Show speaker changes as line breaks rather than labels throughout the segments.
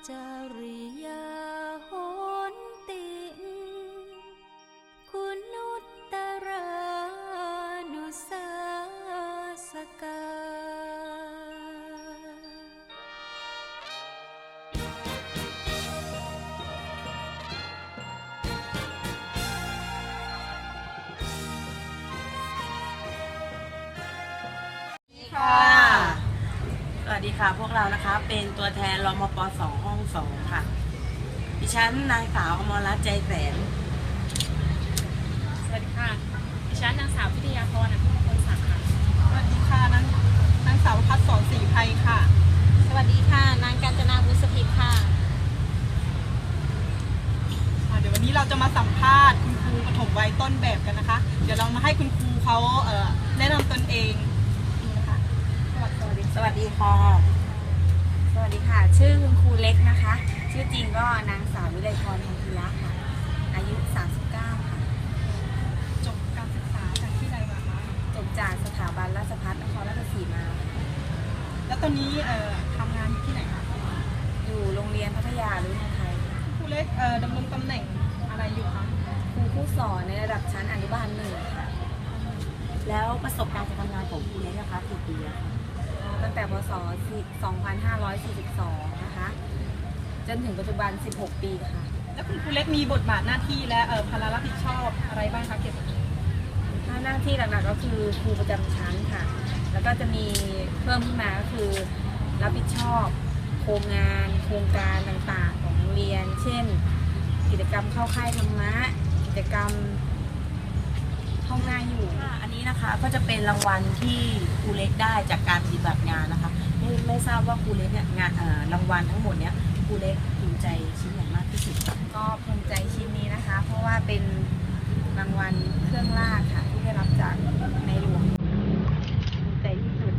จริยาโหนติงคุณุตตรานุสาสกา
สวัสดีค่ะพวกเรานะคะเป็นตัวแทนรมป.2 ห้อง 2ค่ะดิฉันนางสาวอมรรัตน์ใจแสน
สวัสดีค่ะดิฉันนางสาวพิทยาพรอภิมงคลศักดิ์ค่ะ
สวัสดีค่ะนางสาวพัฒน์สอนศรีไพรค่ะ
สวัสดีค่ะนางกาญจนาบุญสถิตค่ะ
เดี๋ยววันนี้เราจะมาสัมภาษณ์คุณครูปฐมวัยต้นแบบกันนะคะเดี๋ยวเรามาให้คุณครูเขาแนะนำตนเองนี่นะคะ
สวัสดีค่ะ
สวัสดีค่ะชื่อคุณครูเล็กนะคะชื่อจริงก็นางสาววิไลพร ธรรมพิระค่ะอายุ39ค่ะ
จบการศึกษาจากที่ใดมาคะ
จบจากสถาบันราชภัฏนครราชสีมา
แล้วตอนนี้ทำงานอยู่ที่ไหนคะ
อยู่โรงเรียนพัทยารุ่นไทย
ครูเล็กดำรงตำแหน่งอะไรอยู่คะ
ครูผู้สอนในระดับชั้นอนุบาล1ค่ะ
แล้วประสบการณ์การทำงานของครูเล็กนะคะกี่ปีแล้วคะ
ตั้งแต่พศ2542นะคะจนถึงปัจจุบัน16ปีค่ะ
แล้วคุณครูเล็กมีบทบาทหน้าที่และภาระรับผิดชอบอะไรบ้างคะเกี่ยวกับนี้
หน้าที่หลักๆก็คือครูประจำชั้นค่ะแล้วก็จะมีเพิ่มขึ้นมาก็คือรับผิดชอบโครงการต่างๆของโรงเรียนเช่นกิจกรรมเข้าค่ายธรรมะกิจกรรมห้องหน้าอยู่
อันนี้นะคะก็จะเป็นรางวัลที่ครูเล็กได้จากการปฏิบัติงานนะคะไม่ทราบว่าครูเล็กเนี่ยงานรางวัลทั้งหมดเนี้ยครูเล็กภูมิใจชิ้นไหนมากที่สุด
ก็ภูมิใจชิ้นนี้นะคะเพราะว่าเป็นรางวัลเครื่องราชค่ะที่ได้รับจากในหลวงภูมิใจที่สุด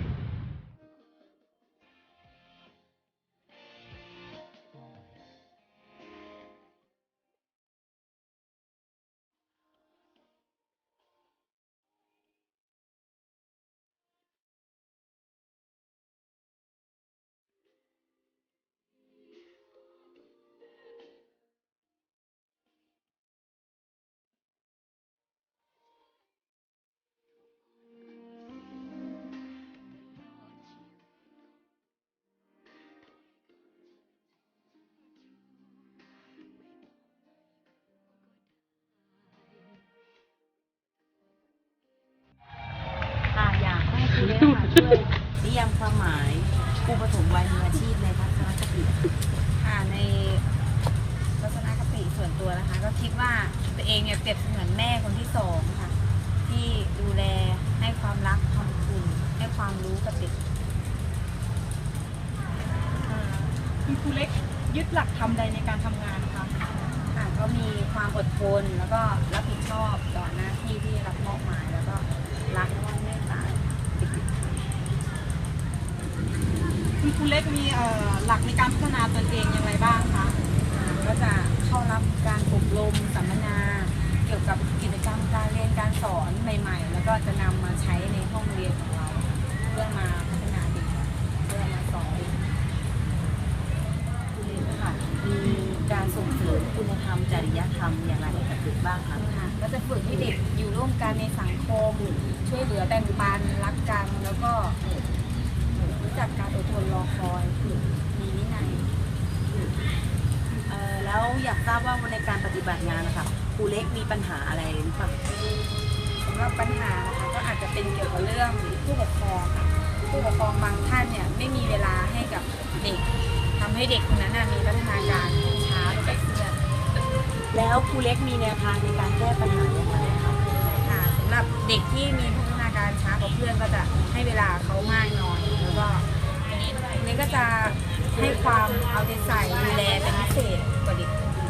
อยากให้ครูเล็กช่วยนิยามความหมายครูปฐมวัยมืออาชีพในทัศนคติ
ค่ะในทัศนคติส่วนตัวนะคะก็คิดว่าตัวเองเนี่ยเปรียบเสมือนแม่คนที่สองค่ะที่ดูแลให้ความรักความอบอุ่นให้ความรู้กับเด็ก
คุณครูเล็กยึดหลักทำใดในการทำงานคะ
ค่ะก็มีความอดทนแล้วก็รับผิดชอบต่อหน้าที่ที่รับมอบหมายแล้วก็รักและเมตตา
คุณครูเล็กมีหลักในการพัฒนาตนเองอย่างไรบ้างคะ
ก็จะเข้ารับการอบรมสัมมนาเกี่ยวกับกิจกรรมการเรียนการสอนใหม่ๆแล้วก็จะนำมาใช้ในห้องเรียนของเราเพื่อมาพัฒนาเด็กเพื่อมาสอนเด็ก
ครูเล็กค่ะมีการส่งเสริมคุณธรรมจริยธรรมอย่างไรให้กับเด็กบ้างคะ
ก็จะฝึกให้เด็กอยู่ร่วมกันในสังคมช่วยเหลือแบ่งปันรักกันแล้วก็รู้จักการอดทนรอคอยมีวินัย
แล้วอยากทราบว่าในการปฏิบัติงานนะคะครูเล็กมีปัญหาอะไรหรือเปล่า
สำหรับปัญหานะคะก็อาจจะเป็นเกี่ยวกับเรื่องผู้ปกครองค่ะผู้ปกครองบางท่านเนี่ยไม่มีเวลาให้กับเด็กทำให้เด็กคนนั้นมีพัฒนาการช้าลงไปเรื่อย
แล้วครูเล็กมีแนวทางในการแก้ปัญหาอย่างไรคะ
ค่ะสำหรับเด็กที่มีพัฒนาการช้ากว่าเพื่อนก็จะให้เวลาเขามากหน่อยแล้วก็นี่ก็จะให้ความเอาใจใส่ดูแลเป็นพิเศษกว่าเด็กคนอื่น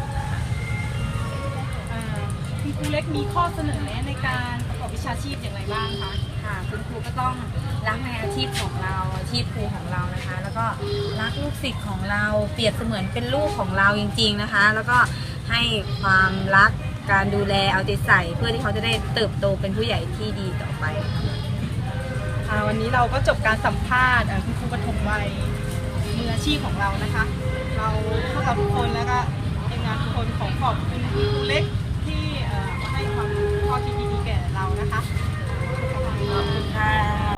คุณครูเล็กมีข้อเสนอแนะในการประกอบวิชาชีพอย่างไรบ้างคะ
ค่ะคุณครูก็ต้องรักในอาชีพของเราอาชีพครูของเรานะคะแล้วก็รักลูกศิษย์ของเราเปรียบเสมือนเป็นลูกของเราจริงๆนะคะแล้วก็ให้ความรักการดูแลเอาใจใส่เพื่อที่เขาจะได้เติบโตเป็นผู้ใหญ่ที่ดีต่อไป
วันนี้เราก็จบการสัมภาษณ์คุณครูปฐมวัยมืออาชีพของเรานะคะ เราพวกเราทุกคนแล้วก็ทีมงานทุกคนขอบคุณครูเล็กที่มาให้ความรู้ข้อคิดดีๆแก่เรานะคะ
ขอบคุณค่ะ